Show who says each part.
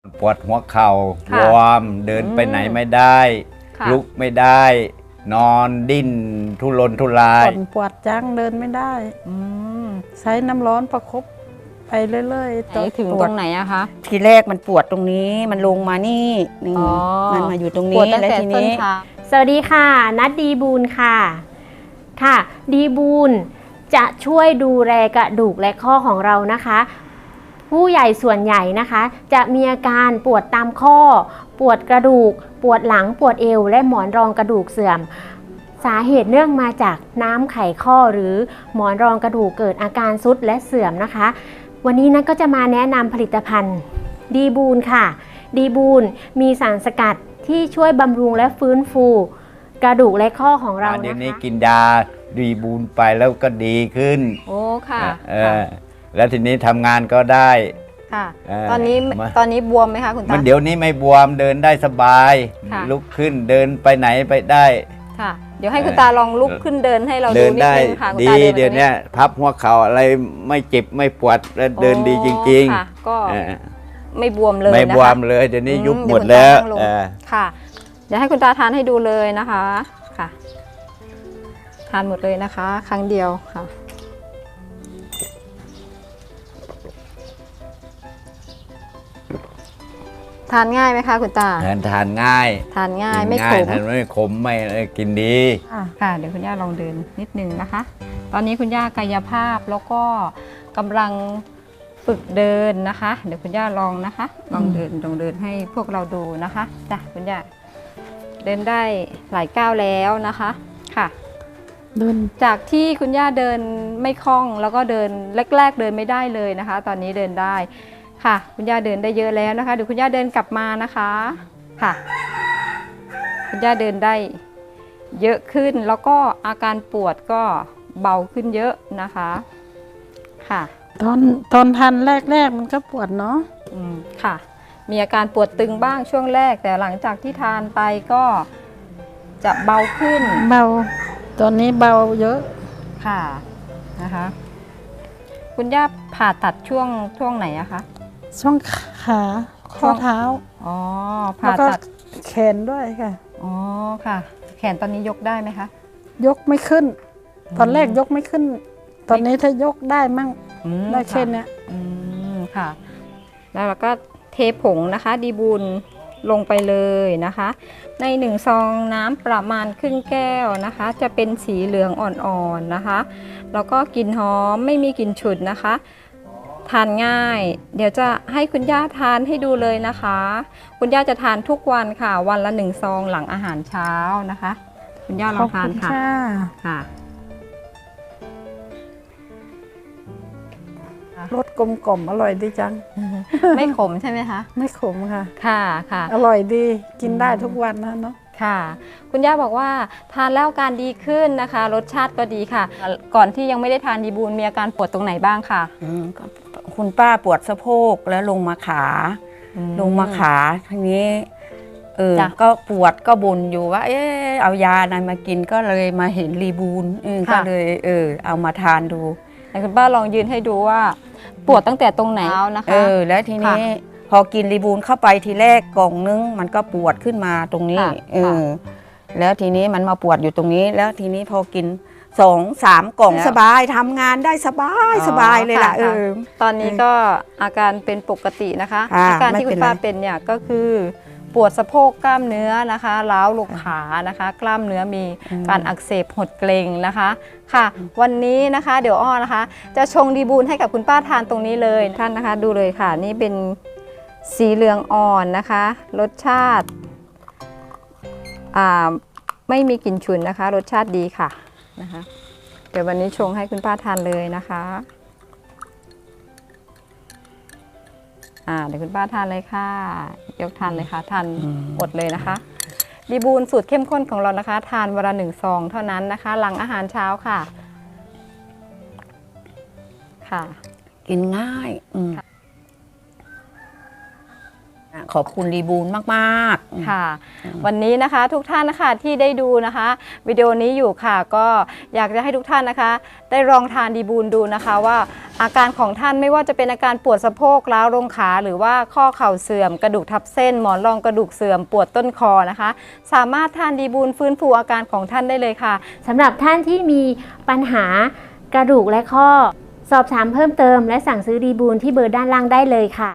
Speaker 1: ปวดหัวเข่า
Speaker 2: ค่ะ
Speaker 1: วอร์มเดินไปไหนไม่ได้
Speaker 2: ค่ะ
Speaker 1: ลุกไม่ได้ นอนดิ้นทุรนทุราย
Speaker 3: ปวดจังเดินไม่ได้
Speaker 2: อืม
Speaker 3: ใช้น้ำร้อนประคบไปเรื่อยๆ
Speaker 2: ไหนถึงตรงไหนอะคะ
Speaker 4: ทีแรกมันปวดตรงนี้มันลงมานี่นี่
Speaker 2: อ๋อ
Speaker 4: มันมาอยู่ตรง
Speaker 2: ป
Speaker 4: นี้
Speaker 2: วดตั้ง
Speaker 4: แล้ว
Speaker 2: แต่
Speaker 4: ที
Speaker 2: ต้น
Speaker 4: นี้
Speaker 2: เท้า
Speaker 5: สวัสดีค่ะ นัดดีบูลค่ะ ค่ะ ดีบูลจะช่วยดูแลกระดูกและข้อของเรานะคะ ผู้ใหญ่ส่วนใหญ่นะคะ จะมีอาการปวดตามข้อ ปวดกระดูก ปวดหลัง ปวดเอว และหมอนรองกระดูกเสื่อม สาเหตุเนื่องมาจากน้ำไขข้อหรือหมอนรองกระดูกเกิดอาการทรุดและเสื่อมนะคะ วันนี้นัทก็จะมาแนะนำผลิตภัณฑ์ดีบูลค่ะ ดีบูลมีสารสกัดที่ช่วยบำรุงและฟื้นฟูกระดูกและข้อของเรา
Speaker 1: เดี๋ยว
Speaker 5: นะ
Speaker 1: นี้
Speaker 5: คะ
Speaker 1: กินยาดีบูนไปแล้วก็ดีขึ้น
Speaker 2: โอ้ค่ะ
Speaker 1: แล้วทีนี้ทำงานก็ได้
Speaker 2: ค่ะ
Speaker 1: เออ
Speaker 2: ตอนนี้
Speaker 1: มา
Speaker 2: ตอนนี้บวมไหมคะคุณตา
Speaker 1: มันเดี๋ยวนี้ไม่บวมเดินได้สบาย
Speaker 2: ค่ะ
Speaker 1: ลุกขึ้นเดินไปไหนไปได้
Speaker 2: ค่ะ เดี๋ยวให้คุณตาลองลุกขึ้นเดินให้เรา
Speaker 1: เดิ
Speaker 2: ดู
Speaker 1: น
Speaker 2: นิด
Speaker 1: ได้
Speaker 2: นึงค่ะคุณ
Speaker 1: ดี
Speaker 2: ตา
Speaker 1: เดี๋ยว
Speaker 2: ตรง
Speaker 1: นี้พับหัวเข่าอะไรไม่เจ็บไม่ปวดแล้วเดินดีจริง
Speaker 2: ค่ะ ก็
Speaker 1: ๆเออ
Speaker 2: ไม่บวมเลย
Speaker 1: ไม่
Speaker 2: นะคะ
Speaker 1: บวมเลยเดี๋ยวนี้ยุบหมด
Speaker 2: เดี๋
Speaker 1: แล้
Speaker 2: ยว
Speaker 1: ว
Speaker 2: คุณตานั่งลง ค่ะ เดี๋ยวให้คุณตาทานให้ดูเลยนะคะ ค่ะ ทานหมดเลยนะคะ ครั้งเดียวค่ะ ทานง่ายไหมคะคุณตา
Speaker 1: ทานง่าย
Speaker 2: ทานง่าย
Speaker 1: กิน
Speaker 2: ไม่ขม
Speaker 1: ทานไม่ขมไม่กินดี
Speaker 2: ค่ะ เดี๋ยวคุณย่าลองเดินนิดนึงนะคะ ตอนนี้คุณย่ากายภาพแล้วก็กำลังฝึกเดินนะคะ เดี๋ยวคุณย่าลองนะคะ ลองเดินให้พวกเราดูนะคะจ้ะคุณย่าเดินได้หลายก้าวแล้วนะคะค่ะ
Speaker 3: เดิน
Speaker 2: จากที่คุณย่าเดินไม่คล่องแล้วก็เดินแรกๆเดินไม่ได้เลยนะคะ ตอนนี้เดินได้ค่ะ คุณย่าเดินได้เยอะแล้วนะคะเดี๋ยวคุณย่าเดินกลับมานะคะค่ะ คุณย่าเดินได้เยอะขึ้นแล้วก็อาการปวดก็เบาขึ้นเยอะนะคะค่ะ
Speaker 3: ตอนทันแรกๆมันก็ปวดเนาะ
Speaker 2: ค่ะ มีอาการปวดตึงบ้างช่วงแรกแต่หลังจากที่ทานไปก็จะเบาขึ้น
Speaker 3: เบาตอนนี้เบาเยอะ
Speaker 2: ค่ะนะคะคุณย่าผ่าตัดช่วงไหนอะคะ
Speaker 3: ช่วงขาข้อเท้า
Speaker 2: อ๋อ
Speaker 3: แล้
Speaker 2: ผ่าว
Speaker 3: ก็
Speaker 2: ตัด
Speaker 3: แขนด้วยค่ะ
Speaker 2: อ๋อค่ะ แขนตอนนี้ยกได้ไหมคะ
Speaker 3: ยกไม่ขึ้น ตอนแรกยกไม่ขึ้น ตอนนี้ถ้ายกได้มั่ง
Speaker 2: อืม
Speaker 3: ได้แค่
Speaker 2: ค่ะ
Speaker 3: เนี้ย
Speaker 2: ค่ะ แล้วเราก็เทผงนะคะดีบุญลงไปเลยนะคะ ใน1ซองน้ำประมาณครึ่งแก้วนะคะ จะเป็นสีเหลืองอ่อนๆนะคะ แล้วก็กลิ่นหอมไม่มีกลิ่นฉุนนะคะ ทานง่าย เดี๋ยวจะให้คุณย่าทานให้ดูเลยนะคะ คุณย่าจะทานทุกวันค่ะ วันละ1ซองหลังอาหารเช้านะคะ คุณย่าล
Speaker 3: ข
Speaker 2: อ
Speaker 3: อง บ
Speaker 2: ทาน
Speaker 3: คุณ
Speaker 2: ค่ะ
Speaker 3: ค่ะ
Speaker 2: ค่ะ
Speaker 3: รสกลมกล่อมอร่อยดีจัง
Speaker 2: ไม่ขมใช่ไหมคะ
Speaker 3: ไม่ขมค่ะ
Speaker 2: ค่ะค่ะ
Speaker 3: อร่อยดีกินได้ทุกวันนะเนาะ
Speaker 2: ค่ะ คุณย่าบอกว่าทานแล้วอาการดีขึ้นนะคะ รสชาติก็ดีค่ะ ก่อนที่ยังไม่ได้ทานดีบูลมีอาการปวดตรงไหนบ้างค่ะ
Speaker 4: ก็คุณป้าปวดสะโพกแล้วลงมาขา ลงมาขาทีนี้
Speaker 2: จ้ะ
Speaker 4: ก็ปวดก็บ่นอยู่ว่า เอายาอะไรมากินก็เลยมาเห็นรีบูนก็เลยเอามาทานดู
Speaker 2: ไหนคุณป้าลองยืนให้ดูว่าปวดตั้งแต่ตรงไหนนะคะ
Speaker 4: แล้วทีนี้พอกินรีบูนเข้าไปทีแรกกล่องนึงมันก็ปวดขึ้นมาตรงนี้
Speaker 2: ค่ะ
Speaker 4: แล้วทีนี้มันมาปวดอยู่ตรงนี้ แล้วทีนี้พอกิน2-3 กล่อง
Speaker 2: แล้ว
Speaker 4: สบายทำงานได้สบายเลยล่ะ
Speaker 2: ค่ะตอนนี้ก็อาการเป็นปกตินะคะ
Speaker 4: ค่ะ
Speaker 2: อาการที่
Speaker 4: ไม่
Speaker 2: คุ
Speaker 4: เป็
Speaker 2: ณ
Speaker 4: นไร
Speaker 2: ป้าเป็นเนี่ยก็คือปวดสะโพกกล้ามเนื้อนะคะล้าวลงขานะคะ กล้ามเนื้อมีการอักเสบหดเกร็งนะคะค่ะ วันนี้นะคะเดี๋ยวอ้อนะคะ จะชงดีบูลให้กับคุณป้าทานตรงนี้เลยท่านนะคะ ดูเลยค่ะนี่เป็นสีเหลืองอ่อนนะคะ รสชาติไม่มีกลิ่นฉุนนะคะ รสชาติดีค่ะนะคะ เดี๋ยววันนี้ชงให้คุณป้าทานเลยนะคะเดี๋ยวคุณป้าทานเลยค่ะ ยกทานเลยค่ะ ทานหมดเลยนะคะ ดีบูลสูตรเข้มข้นของเรานะคะ ทานวันละ1 ซองเท่านั้นนะคะ หลังอาหารเช้าค่ะ ค่ะ
Speaker 4: กินง่ายขอบคุณดีบูลมากๆ
Speaker 2: ค่ะ วันนี้นะคะทุกท่านนะคะที่ได้ดูนะคะ วิดีโอนี้อยู่ค่ะ ก็อยากจะให้ทุกท่านนะคะ ได้ลองทานดีบูลดูนะคะว่าอาการของท่านไม่ว่าจะเป็นอาการปวดสะโพกร้าวลงขาหรือว่าข้อเข่าเสื่อมกระดูกทับเส้นหมอนรองกระดูกเสื่อมปวดต้นคอนะคะ สามารถทานดีบูลฟื้นฟูอาการของท่านได้เลยค่ะ
Speaker 5: สำหรับท่านที่มีปัญหากระดูกและข้อ สอบถามเพิ่มเติมและสั่งซื้อดีบูลที่เบอร์ด้านล่างได้เลยค่ะ